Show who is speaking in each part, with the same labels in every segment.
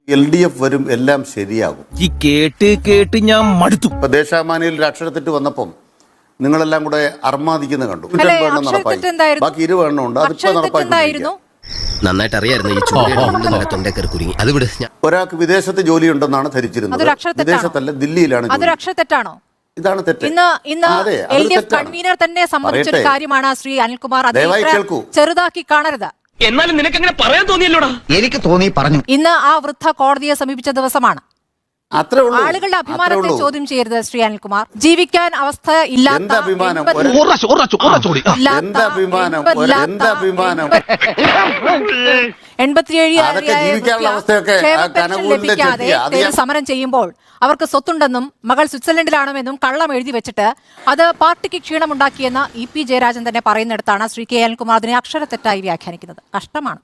Speaker 1: LDF വരും, എല്ലാം ശരിയാകും.
Speaker 2: ഈ കേട്ട് ഞാൻ മടുത്തു.
Speaker 1: ഇപ്പൊ ദേശാഭിമാനിയിൽ ഒരു അക്ഷരത്തെറ്റ് വന്നപ്പം നിങ്ങളെല്ലാം കൂടെ അർമാദിക്കുന്ന കണ്ടു. ബാക്കി 20 എണ്ണം ഉണ്ട്. അതിപ്പോ നടപ്പാക്കി.
Speaker 3: നന്നായിട്ട് അറിയായിരുന്നു ഈ ചൂടിന്റെ തൊണ്ടക്കറി കുരുങ്ങി. അത് വിട്.
Speaker 1: ഒരാൾക്ക് വിദേശത്ത് ജോലി ഉണ്ടെന്നാണ് ധരിച്ചിരുന്നത്. വിദേശത്തല്ല, ദില്ലിയിലാണ്.
Speaker 4: അതൊരു അക്ഷരത്തെറ്റാണോ?
Speaker 1: ഇതാണ് തെറ്റ്.
Speaker 4: ഇന്ന് LDF കൺവീനർ തന്നെ സമ്മതിച്ചൊരു കാര്യമാണ് ശ്രീ അനിൽകുമാർ. ചെറുതാക്കി കാണരുത്.
Speaker 5: എന്നാലും നിനക്ക് അങ്ങനെ പറയാൻ തോന്നിയല്ലോടാ.
Speaker 6: എനിക്ക് തോന്നി പറഞ്ഞു.
Speaker 4: ഇന്ന് ആ വൃദ്ധ കോടതിയെ സമീപിച്ച ദിവസമാണ്. ആളുകളുടെ അഭിമാനത്തെ ചോദ്യം ചെയ്യരുത് ശ്രീ അനിൽകുമാർ. ജീവിക്കാൻ അവസ്ഥ ഇല്ലാത്ത 87 സമരം ചെയ്യുമ്പോൾ അവർക്ക് സ്വത്തുണ്ടെന്നും മകൾ സ്വിറ്റ്സർലൻഡിലാണെന്നും കള്ളം എഴുതി വെച്ചിട്ട് അത് പാർട്ടിക്ക് ക്ഷീണമുണ്ടാക്കിയെന്ന് EP ജയരാജൻ തന്നെ പറയുന്നിടത്താണ് ശ്രീ K അനിൽകുമാർ അതിനെ അക്ഷരത്തെറ്റായി വ്യാഖ്യാനിക്കുന്നത്. കഷ്ടമാണ്.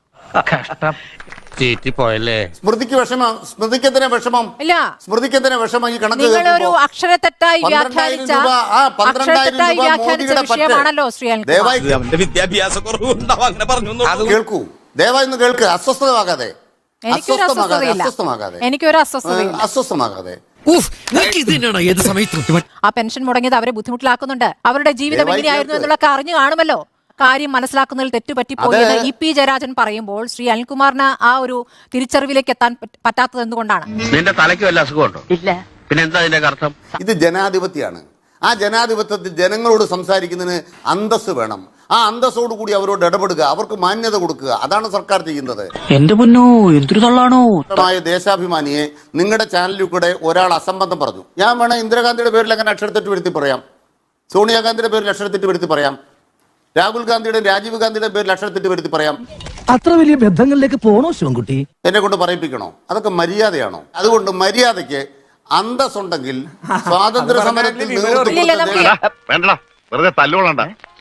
Speaker 1: സ്മൃതിക്ക് വിഷമം. സ്മൃതിക്കെന്തിനാ വിഷമം?
Speaker 4: ഇല്ല,
Speaker 1: സ്മൃതിക്കെന്തിനാ വിഷമം? ഈ കണക്ക്
Speaker 4: നിങ്ങളൊരു അക്ഷരത്തെറ്റായി വ്യാഖ്യാനിച്ച വിഷയമാണല്ലോ ശ്രീ
Speaker 1: കേൾക്കൂ, ദയവായി ഒന്ന് കേൾക്ക്. അസ്വസ്ഥമാകാതെ
Speaker 4: എനിക്കൊരു അസ്വസ്ഥതയാകാതെ. ആ പെൻഷൻ മുടങ്ങിയത് അവരെ ബുദ്ധിമുട്ടിലാക്കുന്നുണ്ട്. അവരുടെ ജീവിതം എങ്ങനെയായിരുന്നു എന്നുള്ളതൊക്കെ അറിഞ്ഞു കാണുമല്ലോ. കാര്യം മനസ്സിലാക്കുന്നതിൽ തെറ്റുപറ്റിപ്പോയെന്ന് EP ജയരാജൻ പറയുമ്പോൾ ശ്രീ അനിൽകുമാറിന് ആ ഒരു തിരിച്ചറിവിലേക്ക് എത്താൻ പറ്റാത്തത് എന്തുകൊണ്ടാണ്?
Speaker 5: നിന്റെ തലയ്ക്ക് വല്ല അസുഖമുണ്ടോ? ഇല്ല. പിന്നെ എന്താ അതിന്റെ അർത്ഥം?
Speaker 1: ഇത് ജനാധിപത്യമാണ്. ആ ജനാധിപത്യത്തിൽ ജനങ്ങളോട് സംസാരിക്കുന്നതിന് അന്തസ് വേണം. ആ അന്തസ്സോട് കൂടി അവരോട് ഇടപെടുക, അവർക്ക് മാന്യത കൊടുക്കുക. അതാണ് സർക്കാർ ചെയ്യുന്നത്.
Speaker 6: എന്റെ പൊന്നോ, എന്തൊരു തള്ളാണോ.
Speaker 1: ദേശാഭിമാനിയെ നിങ്ങളുടെ ചാനലിൽ കൂടെ ഒരാൾ അസംബന്ധം പറഞ്ഞു. ഞാൻ വേണം ഇന്ദിരാഗാന്ധിയുടെ പേരിൽ അങ്ങനെ അക്ഷരത്തെറ്റ് വരുത്തി പറയാം, സോണിയാഗാന്ധിയുടെ പേരിൽ അക്ഷരത്തെറ്റ് വരുത്തി പറയാം, രാഹുൽ ഗാന്ധിയുടെ രാജീവ് ഗാന്ധിയുടെ പേരിൽ അക്ഷരത്തെറ്റ് വരുത്തി പറയാം.
Speaker 2: അത്ര വലിയ ബന്ധങ്ങളിലേക്ക് പോണോ ശിവൻകുട്ടി?
Speaker 1: എന്നെ കൊണ്ട് പറയിപ്പിക്കണോ? അതൊക്കെ മര്യാദയാണോ? അതുകൊണ്ട് മര്യാദയ്ക്ക് അന്തസ്സുണ്ടെങ്കിൽ സ്വാതന്ത്ര്യ സമരത്തിൽ
Speaker 5: വേണ്ടടാ, വെറുതെ തല്ലുകൊള്ളണ്ട.